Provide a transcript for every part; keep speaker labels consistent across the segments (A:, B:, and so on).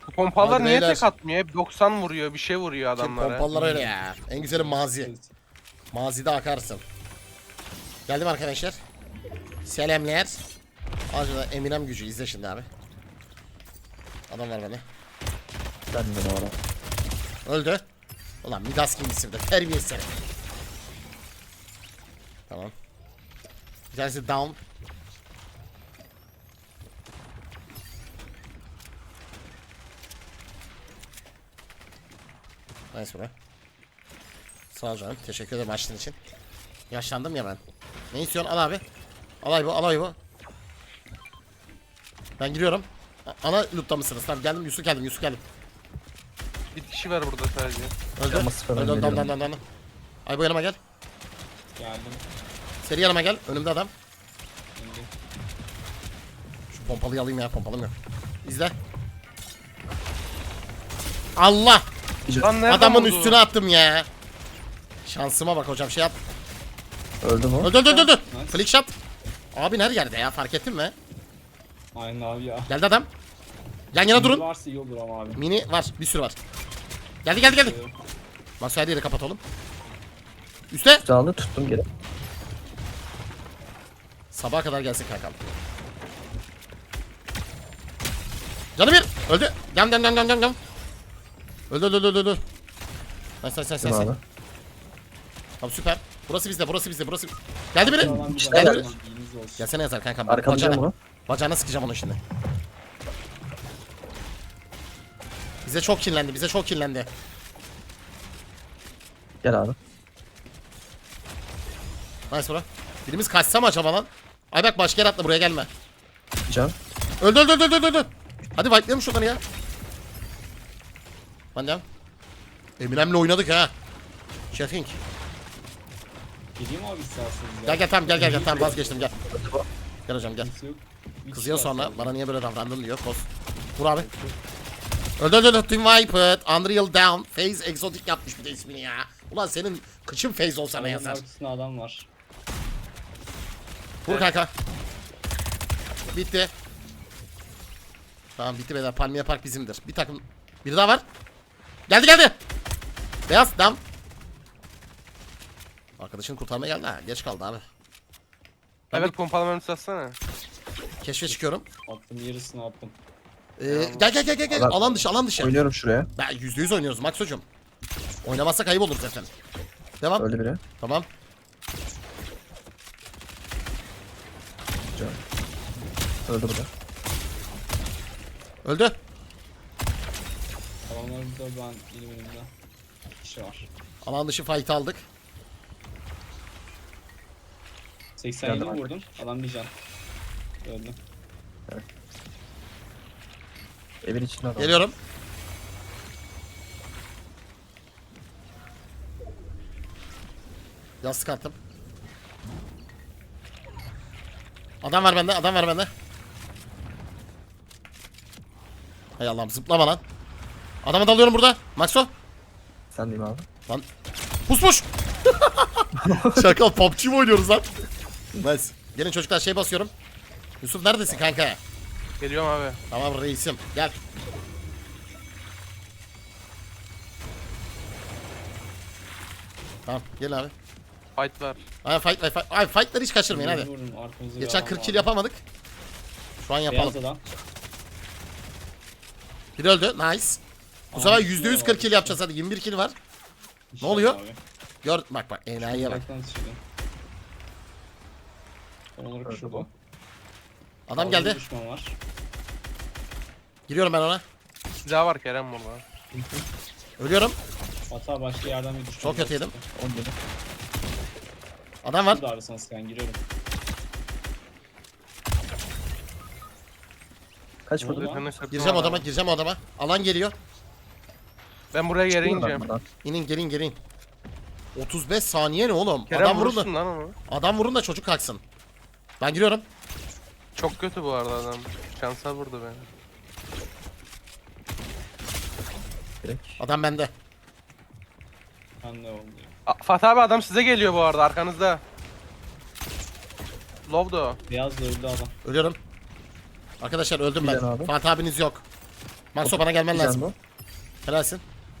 A: Bu pompalar
B: Hadi
A: niye
B: beyler.
A: tek atmıyor? Hep 90 vuruyor, bir şey vuruyor
B: Kim
A: adamlara.
B: pompalar öyle ya. En güzeli mazi. Mazide akarsın. Geldim arkadaşlar. Selamlar. Acaba Eminem gücü izle şimdi abi. Adam var bana.
C: Ben de doğru.
B: Öldü. Ulan Midas kimisi de terbiyesiz seni. Tamam. Bir tanesi down. Nice bro. Sağ ol canım. Teşekkür ederim açtığın için. Yaşlandım ya ben. Ne istiyorsun? Al abi. Alay bu, alay bu. Ben giriyorum. Ana loot'ta mısınız? Tamam geldim. Yusuf geldim. Yusuf geldim.
A: Bir kişi var burada sadece.
B: Öldü.
C: Yanma sıfırdan
B: Öldü.
C: geliyorum.
B: Dan. Ay bu yanıma gel.
D: Geldim.
B: Seri yanıma gel. Önümde adam.
D: Şimdi.
B: Şu pompalıyı alayım ya. Pompalım yok. İzle. Allah!
A: Lan nereden
B: Adamın
A: vurdu?
B: üstüne attım ya. Şansıma bak hocam şey yap.
C: Öldü mü?
B: Öldü.
D: Nice.
B: Flick shot. Abi her yerde ya fark ettin mi?
D: Aynen abi ya.
B: Geldi adam. Yan yana durun.
D: Varsa iyi olur ama abi.
B: Mini var. Bir sürü var. Geldi. Masaya yeri kapat oğlum. Üste.
C: Canlı tuttum geri.
B: Sabaha kadar gelsin kankam. Canı bir. Öldü. Gam. Öldü. Nice.
C: Kim abi?
B: Tamam süper. Burası bizde. Geldi biri.
D: Alan
C: İşte
D: güzel.
C: evet.
D: Bilginiz olsun.
B: Gelsene yazar kankam.
C: Arkalayacağım bunu.
B: Bacağına sıkacağım onu şimdi. Bize çok kinlendi.
C: Gel abi.
B: Nice bro. Birimiz kaçsa mı acaba lan? Ay bak başka yer atla buraya gelme.
C: Can.
B: Öldü. Hadi fightlayalım şuradan ya. Ben devam. Eminem'le oynadık ha. Şefink.
D: Geleyim abi isterseniz ya.
B: Gel tamam gel tamam vazgeçtim gel. Gel hocam gel.
D: Kimse yok. Bir
B: Kızıyor
D: kişi var
B: sonra
D: sadece.
B: bana niye böyle davrandın diyor. Boss. Vur abi. Öldü. Team Viper. Unreal Down. Phase Exotic yapmış bir de ismini ya. Ulan senin kıçın Phase olsa ne
D: Adamın
B: yazar?
D: arkasında adam var.
B: Vur kanka. Bitti. Tamam bitti beyler. Palmiye Park bizimdir. Bir takım. Biri daha var. Geldi. Beyaz dam. Arkadaşını kurtarmaya geldi ha. Geç kaldı abi.
A: Evet pompalamanı satsana.
B: Keşfe çıkıyorum.
D: Attım yarısını attım.
B: Gel.
C: Adam-
B: Alan dışı.
C: Oynuyorum şuraya.
B: Ben %100 oynuyoruz Max hocam. Oynamazsak ayıp olur zaten. Devam.
C: Öldü biri.
B: Tamam.
C: Can. Öldü bu da.
B: Öldü.
D: Adamlar burada ben benim önümde. Bir kişi var.
B: Alan dışı fight aldık.
D: 87
C: Geldim
D: vurdum. Adam bir can. Öldü.
C: Evin içinde adam.
B: Geliyorum. Yastık attım. Adam var bende. Hay Allah'ım zıplama lan. Adamı dalıyorum burada. Maxo.
C: Sen değil mi abi?
B: Lan. Pusmuş. Şaka PUBG mi oynuyoruz lan? Nice. Gelin çocuklar şey basıyorum. Yusuf neredesin kanka?
A: Geliyorum abi.
B: Tamam reisim gel. Tamam gel abi.
A: Fight var.
B: Ay fight. Ay fightları hiç kaçırmayın hadi.
D: Vurdum, arkamızda bir
B: Geçen
D: adam
B: 40 kill
D: vardı.
B: yapamadık. Şu an yapalım.
D: Beyaz adam.
B: Biri öldü. Nice. Bu sefer %100 40 kill yapacağız hadi. 21 kill var.
D: İşte
B: oluyor?
D: abi.
B: Gör bak enayiye bak.
D: Uzaktan sıçradı. Tam olarak
C: Öldü
D: şurada.
C: bu.
B: Adam
D: Fazla
B: geldi.
D: Düşman var.
B: Giriyorum ben ona.
A: Silah var Kerem burada.
B: Ölüyorum.
D: Hatta başka yerden bir düşman.
B: Çok kötü yedim.
C: 10 yedi.
B: Adam var.
D: Şurada arasana sıkan giriyorum.
C: Kaç
D: Ne
C: vurdun?
D: oldu?
B: Gireceğim odama. Alan geliyor.
A: Ben buraya geri
C: Çıkıyorum ben
A: ineceğim.
C: buradan.
B: İnin gelin. 35 saniye ne oğlum?
A: Kerem
B: Adam vurun
A: vurursun
B: da.
A: lan onu.
B: Adam vurun da çocuk kalksın. Ben giriyorum.
A: Çok kötü bu arada adam. Şansa vurdu beni.
C: Direkt.
B: Adam bende.
D: Ben ne oldu?
A: Fatih abi adam size geliyor bu arada arkanızda. Lovdo.
D: Beyaz da öldü adam.
B: Ölüyorum. Arkadaşlar öldüm ben.
C: Giden abi.
B: Fatih abiniz yok. Maxo bana gelmen
C: Bir can
B: lazım.
C: bu.
B: Helalsin.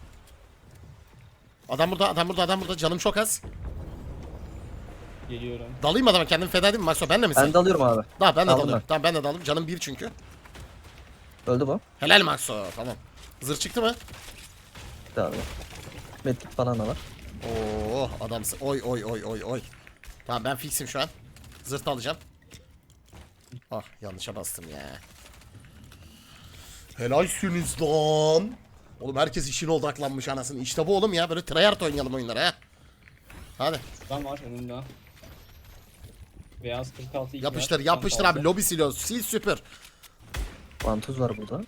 B: Adam burada, adam burada, adam burada. Canım çok az.
D: Geliyorum.
B: Dalayım mı adama, kendimi feda edeyim mi? Maxo benle misin?
C: Ben de alıyorum abi.
B: Tamam ben de
C: Aldım
B: dalıyorum. Tamam ben de dalayım. Canım bir çünkü.
C: Öldü bu.
B: Helal Maxo. Tamam. Zırh çıktı mı?
C: Bir abi. Medkit falan da var.
B: Oo adamsın. Oy oy oy oy oy. Tamam ben fixim şu an. Zırh da alacağım. Ah yanlışa bastım ya. Helalsiniz lan. Oğlum herkes işine odaklanmış anasını. İşte bu oğlum ya. Böyle tryhard oynayalım oyunları ha. Hadi.
D: Adam var önümde. Beyaz 46 2
B: Yapıştır yapıştır abi. Lobi siliyoruz. Sil süpür.
C: Vantuz var burada.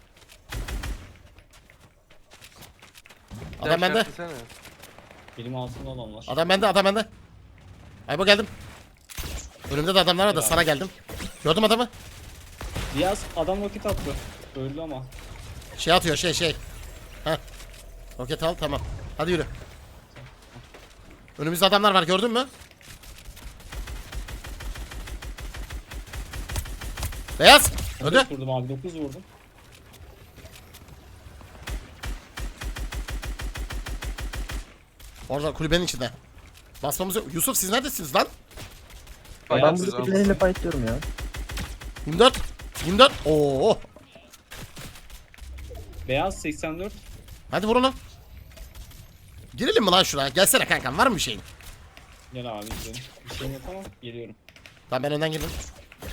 B: Adam bende.
A: Desene.
D: Benim altımda olanlar.
B: Adam bende. Adam bende. Aybo geldim. Önümde de adamlar var da
D: Ya.
B: sana geldim. Gördüm adamı.
D: Beyaz adam roket attı. Öldü ama.
B: Şey atıyor şey. Heh. Roket al tamam. Hadi yürü. Önümüzde adamlar var gördün mü? Beyaz. Öldü.
D: 9 vurdum abi 9 vurdum.
B: Orada kulübenin içinde. Basmamız yok. Yusuf siz neredesiniz lan?
C: Ben
A: Bayağı
C: burada
A: güzel.
C: birileriyle fightlıyorum ya.
B: 24. 24. Oo.
D: Beyaz 84.
B: Hadi vur onu. Girelim mi lan şuraya? Gelsene kankam var mı bir şeyin?
D: Gel abi gidelim. Bir şeyim yok ama geliyorum.
B: Tamam ben önden girdim.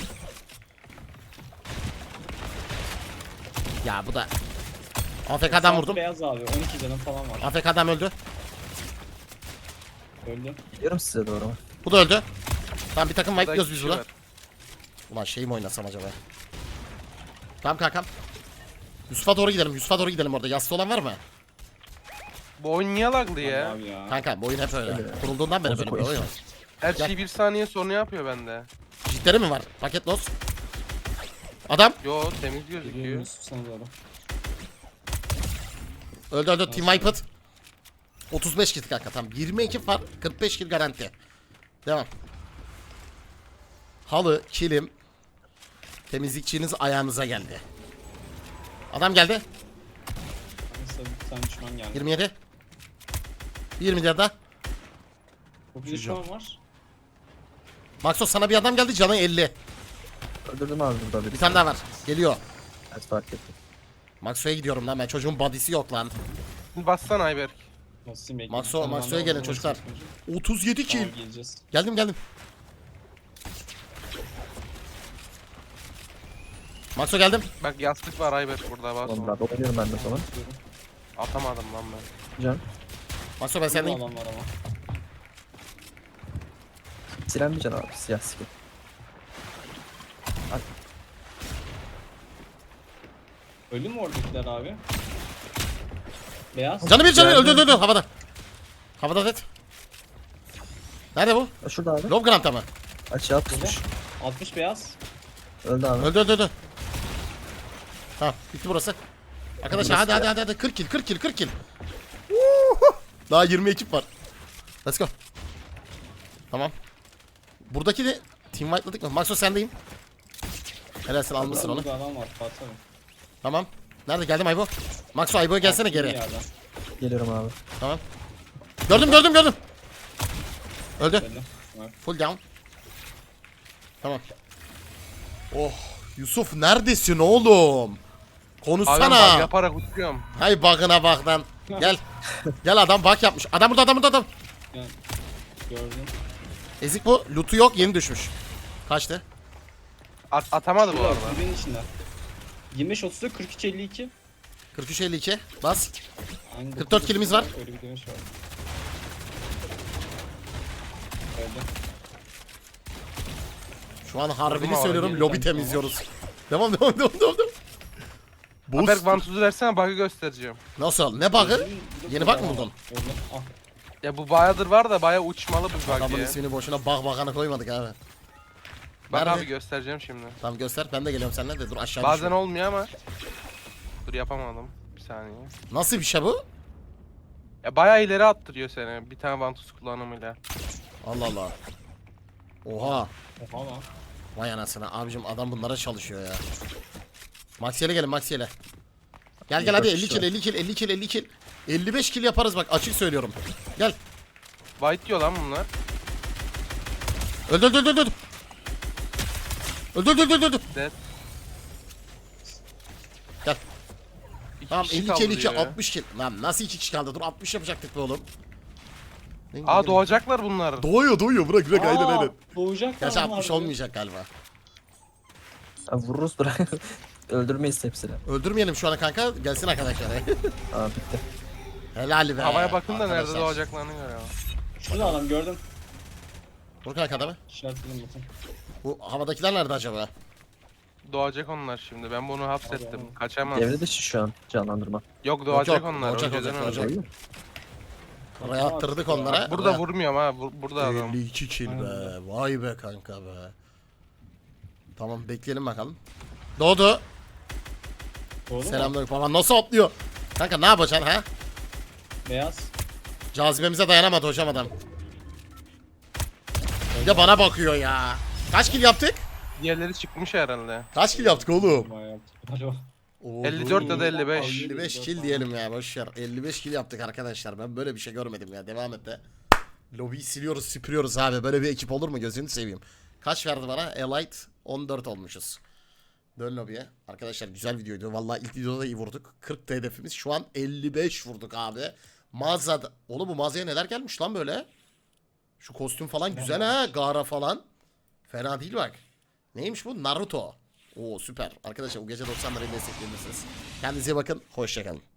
B: Ya bu da. AFK'dan vurdum.
D: Beyaz abi 12 canım falan var.
B: AFK'dan öldü.
D: Öldü.
C: Gidiyorum size doğru.
B: Bu da öldü. Tamam bir takım
A: Burada
B: wipe'liyoruz biz
A: kişi
B: burada.
A: var.
B: Ulan şey mi oynasam acaba? Tamam kankam. Yusuf'a doğru gidelim. Yusuf'a doğru gidelim orada. Yassı olan var mı?
A: Bu oyun niye laglı ya?
D: Abi ya.
B: Kanka bu oyun hep öyle. Kurulduğundan beri böyle bir
C: Bozuk
B: oyun.
C: oyun.
A: Her
B: Gel.
A: şey bir saniye sonra yapıyor bende.
B: Cidleri mi var? Paket loss. Adam.
A: Yo temiz
D: Geliyorum
A: gözüküyor.
D: Yusuf sana doğru.
B: Öldü. Team Wipeout. 35 kill kanka tamam. 22 fark 45 kill garanti. Devam. Halı, kilim. Temizlikçiniz ayağınıza geldi. Adam geldi.
D: Nasıl bir tane düşman geldi.
B: 27. 27 daha.
D: Çok bir düşman var.
B: Maxo sana bir adam geldi canı 50.
C: Öldürdüm abi burada
B: Bir
C: birisi.
B: tane daha var. Geliyor.
C: Evet fark ettim.
B: Maxo'ya gidiyorum lan ben. Çocuğun body'si yok lan.
A: Bassana Ayberk.
D: Nasıl bekliyorum?
B: Maxo'ya gelin çocuklar. 37 kill.
D: Tamam geleceğiz.
B: Geldim. Maxo geldim.
A: Bak yastık var Ayberk burada bas.
C: Tamam
A: onu.
C: abi oynuyorum ben de sonra.
A: Atamadım lan ben.
C: Can.
B: Maxo ben
D: Senin
B: sendeyim.
D: adam var ama.
C: Siren bir can abi. Siyah skin.
D: Öldü mü oradakiler abi? Beyaz.
B: Canı bir
C: Geldim.
B: öldü havada. Havada dead. Nerede bu?
C: Şurada abi.
B: Lob Grant'ta mı?
C: Açığa pusmuş.
D: 60 beyaz.
C: Öldü abi.
B: Öldü. Ha bitti burası. Arkadaşlar
C: Burası
B: hadi 40 kill. Uhu! Daha 20 ekip var. Let's go. Tamam. Buradaki de team white'ladık mı? Maxo sendeyim. Helalsin almışsın onu.
D: Burada adam var Fatih abi.
B: Tamam. Nerede geldim Aybo? Maxo Aybo'ya gelsene
D: Bir
B: geri.
D: yerden.
C: Geliyorum abi.
B: Tamam. Gördüm. Öldü.
D: Öldü. Var.
B: Full down. Tamam. Oh Yusuf neredesin oğlum?
A: Abi ben
B: Konuşsana.
A: bug yaparak uçuyorum.
B: Hay bug'ına bak lan. Gel. Gel adam bug yapmış. Adam burada.
D: Yani, gördüm.
B: Ezik bu. Loot'u yok yeni düşmüş. Kaçtı?
A: Atamadı bu
D: Şurada,
A: arada.
D: kulübenin içinde. 25 30 43 52.
B: 43-52. Bas.
D: Aynı
B: 44
D: dokuz
B: kilimiz var.
D: Öyle bir demiş var. Öldü.
B: Şu an harbini
A: Vurdum abi,
B: söylüyorum.
D: yeni
B: Lobi
D: tane
B: temizliyoruz. Devam. Boost.
A: Ayberk vantuzu versene bug'ı göstereceğim.
B: Nasıl? Ne bug'ı?
D: Öldü.
B: Yeni bug mı buldun?
D: Öldü. Ah.
A: Ya bu bayağıdır var da bayağı uçmalı bu bug
B: Adamın
A: ya.
B: ismini boşuna bug'ına koymadık abi.
A: Bak
B: Nerede?
A: abi göstereceğim şimdi.
B: Tamam göster. Ben de geliyorum seninle de. Dur aşağı
A: Bazen
B: düşüyorum.
A: olmuyor ama. Dur yapamadım. Bir saniye.
B: Nasıl bir şey bu?
A: Ya bayağı ileri attırıyor seni bir tane vantuz kullanımıyla.
B: Allah Allah. Oha.
D: Oha lan.
B: Vay anasını. Abicim adam bunlara çalışıyor ya. Maxiel'e gelin Maxiel'e. Gel gel hadi 50
C: kişi
B: kill
C: var.
B: 50 kill 50 kill 50 kill. 55 kill yaparız bak açık söylüyorum. Gel.
A: White diyor lan bunlar.
B: Öldür öldür öldür öldür. Öldür öldür öldür öldür.
A: Dead.
B: Gel.
A: İki
B: Tamam
A: kişi
B: 50
A: kaldı
B: kill 2
A: diyor ya.
B: 60 kill. Lan nasıl 2 kişi kaldı? Dur 60 yapacaktık be oğlum.
A: Aa doğacaklar bunlar.
B: Doğuyor bırak aynen.
D: Doğacak
B: Gerçi
D: lan
B: 60
D: harbi.
B: olmayacak galiba.
C: Abi vururuz bırak. Öldürmeyiz hepsini.
B: Öldürmeyelim şu ana kanka. Gelsin arkadaşlar.
C: Aa bitti.
B: Helal be.
A: Havaya bakın da nerede
B: arkadaşlar.
A: doğacaklarını gör ya.
D: Şurada adam gördüm.
B: Dur kanka adamı.
D: İşaretledim bakın.
B: Bu havadakiler nerede acaba?
A: Doğacak onlar şimdi. Ben bunu hapsettim.
D: Tamam.
A: Kaçamaz.
C: Devre dışı şu an canlandırma.
A: Yok doğacak
B: yok,
A: onlar.
B: doğacak,
A: önceden
B: doğacak.
A: ölecek.
B: Oraya attırdık onlara.
A: Burada
B: Oraya-
A: vurmuyorum ha. Burada adam.
B: 52 kill be.
D: Aynen.
B: Vay be kanka be. Tamam bekleyelim bakalım. Doğdu.
D: Doğru mu?
B: Selamünaleyküm. Baba nasıl atlıyor? Kanka ne yapacaksın ha?
D: Beyaz.
B: Cazibemize dayanamadı hocam adam. Bir de bana bakıyor ya. Kaç kill yaptık?
A: Diğerleri çıkmış herhalde.
B: Kaç kill yaptık oğlum?
D: Bayağı yaptı. Alo.
A: 54 ya da 55.
B: 55 kill diyelim ya boşver. 55 kill yaptık arkadaşlar. Ben böyle bir şey görmedim ya. Devam et de. Lobiyi siliyoruz, süpürüyoruz abi. Böyle bir ekip olur mu? Gözünü seveyim. Kaç verdi bana? Elite 14 olmuşuz. Dön lobiye. Arkadaşlar güzel videoydu. Vallahi ilk videoda da iyi vurduk. 40 hedefimiz. Şu an 55 vurduk abi. Mağazada. Oğlum bu mağazaya neler gelmiş lan böyle? Şu kostüm falan güzel ha. Gara falan. Fena değil bak. Neymiş bu? Naruto. Oo süper. Arkadaşlar bu gece 90'ları destekleyebilirsiniz. Kendinize iyi bakın. Hoşçakalın.